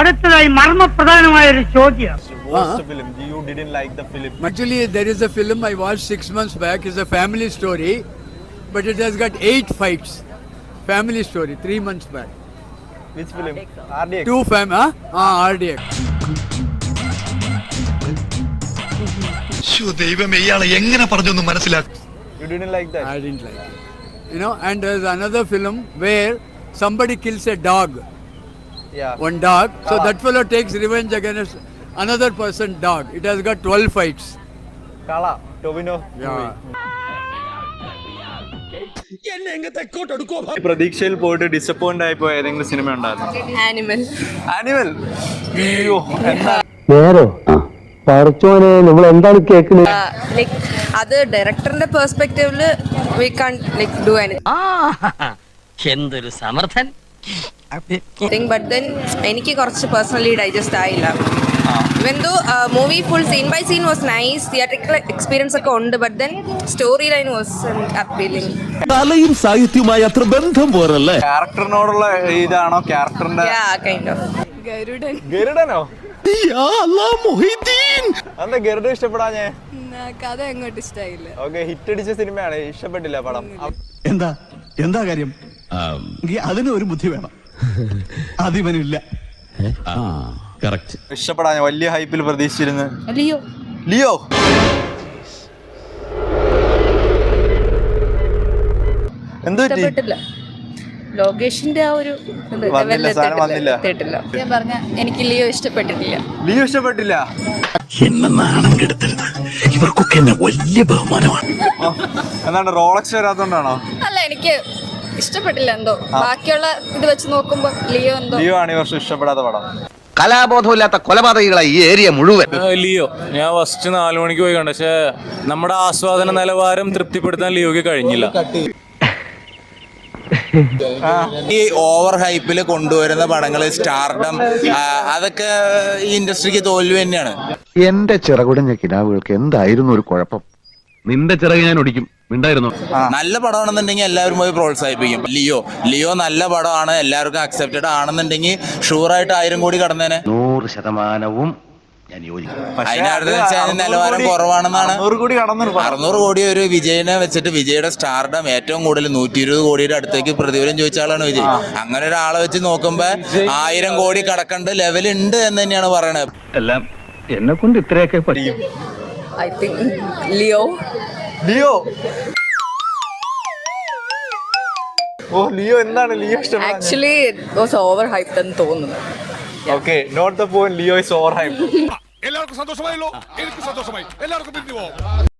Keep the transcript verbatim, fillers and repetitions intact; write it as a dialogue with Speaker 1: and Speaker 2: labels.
Speaker 1: അടുത്തതായി മർമ്മപ്രധാനമായ ഒരു ചോദ്യം.
Speaker 2: Watched the film. You didn't like the film.
Speaker 3: Actually, there is a film I watched six months back. It's a family story, but it has got eight fights. Family story, three months back.
Speaker 2: Which film? R D X.
Speaker 3: Two fam, huh? Ah, R D X.
Speaker 4: ദൈവമേ ഇയാളെ എങ്ങനെ പറഞ്ഞൊന്നും മനസ്സിലാക്കും.
Speaker 2: You didn't like that.
Speaker 3: I didn't like it. You know, and there's another film where somebody kills a dog,
Speaker 2: Yeah.
Speaker 3: one dog. So
Speaker 2: Kala.
Speaker 3: that fellow takes revenge against another person's dog. It has got twelve fights.
Speaker 2: Kala. Tobino.
Speaker 3: Yeah.
Speaker 2: പ്രതീക്ഷയിൽ പോയിട്ട് disappoint ആയി പോയ ഏതെങ്കിലും സിനിമ ഉണ്ടായിരുന്നു?
Speaker 5: Animal.
Speaker 2: Animal. അയ്യോ എന്താ
Speaker 6: നേരോ പറച്ചോനെ നമ്മൾ എന്താണ് കേൾക്കുന്നത്?
Speaker 5: ലൈക്ക് അത് ഡയറക്ടറിന്റെ പെർസ്പെക്റ്റീവില് we can like do anything.
Speaker 7: എന്തൊരു സമർത്ഥൻ.
Speaker 5: ബട്ട് ദെൻ എനിക്ക് കുറച്ച് പേഴ്സണലി ഡൈജസ്റ്റ് ആയില്ല. Even though movie full scene by scene was nice, theatrical experience ഒക്കെ ഉണ്ട്, but then story line was appealing.
Speaker 8: കലയും സാഹിത്യവുമായി അത്ര ബന്ധം പോരല്ലേ?
Speaker 2: ക്യാരക്ടറിനോടുള്ള ഇതാണോ ക്യാരക്ടറിന്റെ?
Speaker 5: Yeah kind of.
Speaker 9: ഗരുഡൻ.
Speaker 2: ഗരുഡനോ?
Speaker 8: യാ അല്ലാഹ് മുഹീദ്ദീൻ.
Speaker 2: എന്താ ഗരുഡൻ ഇഷ്ടപ്പെടാഞ്ഞേ?
Speaker 9: കഥ എങ്ങോട്ട് ഇഷ്ടായില്ല.
Speaker 2: ഓക്കെ, ഹിറ്റ് അടിച്ച സിനിമയാണ്, ഇഷ്ടപ്പെട്ടില്ല പടം.
Speaker 8: എന്താ എന്താ കാര്യം? അതിന് ഒരു ബുദ്ധി വേണം, അതിവനില്ല.
Speaker 2: ഇഷ്ടപ്പെടാഞ്ഞ വലിയ ഹൈപ്പിൽ പ്രതീക്ഷിച്ചിരുന്നു.
Speaker 5: ലിയോ.
Speaker 2: ലിയോ എന്ത് പറ്റി?
Speaker 5: ഇഷ്ടപ്പെട്ടില്ല. ലോകേഷിന്റെ ആ ഒരു
Speaker 2: വന്നില്ല, സാധനം വന്നില്ല.
Speaker 9: ഞാൻ പറഞ്ഞ എനിക്ക് ലിയോ ഇഷ്ടപ്പെട്ടിട്ടില്ല.
Speaker 2: ലിയോ ഇഷ്ടപ്പെട്ടില്ല.
Speaker 8: എന്നെ നാണം കെടുത്തരുത്, ഇവർക്കൊക്കെ എന്നെ വലിയ ബഹുമാനമാണ്.
Speaker 2: എന്താണ് റോളക്സ് വരാത്തോണ്ടാണോ?
Speaker 9: അല്ല, എനിക്ക് ഇഷ്ടപ്പെട്ടില്ല എന്തോ. ബാക്കിയുള്ള ഇത് വെച്ച് നോക്കുമ്പോ ലിയോ എന്തോ.
Speaker 2: ലിയോ ആണ് ഈ വർഷം ഇഷ്ടപ്പെടാത്ത പടം.
Speaker 4: കലാബോധമില്ലാത്ത കൊലപാതകികളായി ഈ ഏരിയ മുഴുവൻ.
Speaker 10: ലിയോ ഞാൻ ഫസ്റ്റ് നാലു മണിക്ക് പോയി കണ്ട, പക്ഷെ നമ്മുടെ ആസ്വാദന നിലവാരം തൃപ്തിപ്പെടുത്താൻ ലിയോക്ക് കഴിഞ്ഞില്ല.
Speaker 11: ഈ ഓവർ ഹൈപ്പില് കൊണ്ടുവരുന്ന പടങ്ങള് സ്റ്റാർഡം അതൊക്കെ ഈ ഇൻഡസ്ട്രിക്ക് തോൽവി തന്നെയാണ്.
Speaker 6: എന്റെ ചിറകുടഞ്ഞ കിനാവുകൾക്ക് എന്തായിരുന്നു ഒരു കുഴപ്പം?
Speaker 4: നിന്റെ ചിറക് ഞാൻ ഒടിക്കും മിണ്ടായിരുന്നു.
Speaker 11: നല്ല പടമാണെന്നുണ്ടെങ്കിൽ എല്ലാവരും പോയി പ്രോത്സാഹിപ്പിക്കും. ലിയോ ലിയോ നല്ല പടമാണ്, എല്ലാവർക്കും അക്സെപ്റ്റഡ് ആണെന്നുണ്ടെങ്കിൽ ഷുവറായിട്ട് ആയിരം കോടി കടന്നേനെ.
Speaker 6: നൂറ് ശതമാനവും ഞാൻ യോജിക്കും.
Speaker 11: അതിനടുത്ത് വെച്ചാൽ നിലവാരം കുറവാണെന്നാണ്. അറുന്നൂറ് കോടി ഒരു വിജയനെ വെച്ചിട്ട് വിജയുടെ സ്റ്റാർഡം ഏറ്റവും കൂടുതൽ നൂറ്റി ഇരുപത് കോടിയുടെ അടുത്തേക്ക് പ്രതിഫലം ചോദിച്ച ആളാണ് വിജയ്. അങ്ങനെ ഒരാളെ വെച്ച് നോക്കുമ്പോ ആയിരം കോടി കടക്കേണ്ട ലെവൽ ഉണ്ട് എന്ന് തന്നെയാണ് പറയണത്.
Speaker 6: എല്ലാം എന്നെ കൊണ്ട് ഇത്രയൊക്കെ പറ്റും.
Speaker 5: I think Leo.
Speaker 2: Leo oh Leo എന്താണ് ലിയോ ഇഷ്ടപ്പെടാൻ?
Speaker 5: Actually it was over hyped എന്ന് തോന്നുന്നു.
Speaker 2: Okay, not the point. Leo is over hype.
Speaker 8: എല്ലാവർക്കും സന്തോഷമായല്ലോ, എനിക്ക് സന്തോഷമായി. എല്ലാവർക്കും പിരിഞ്ഞു പോവാം.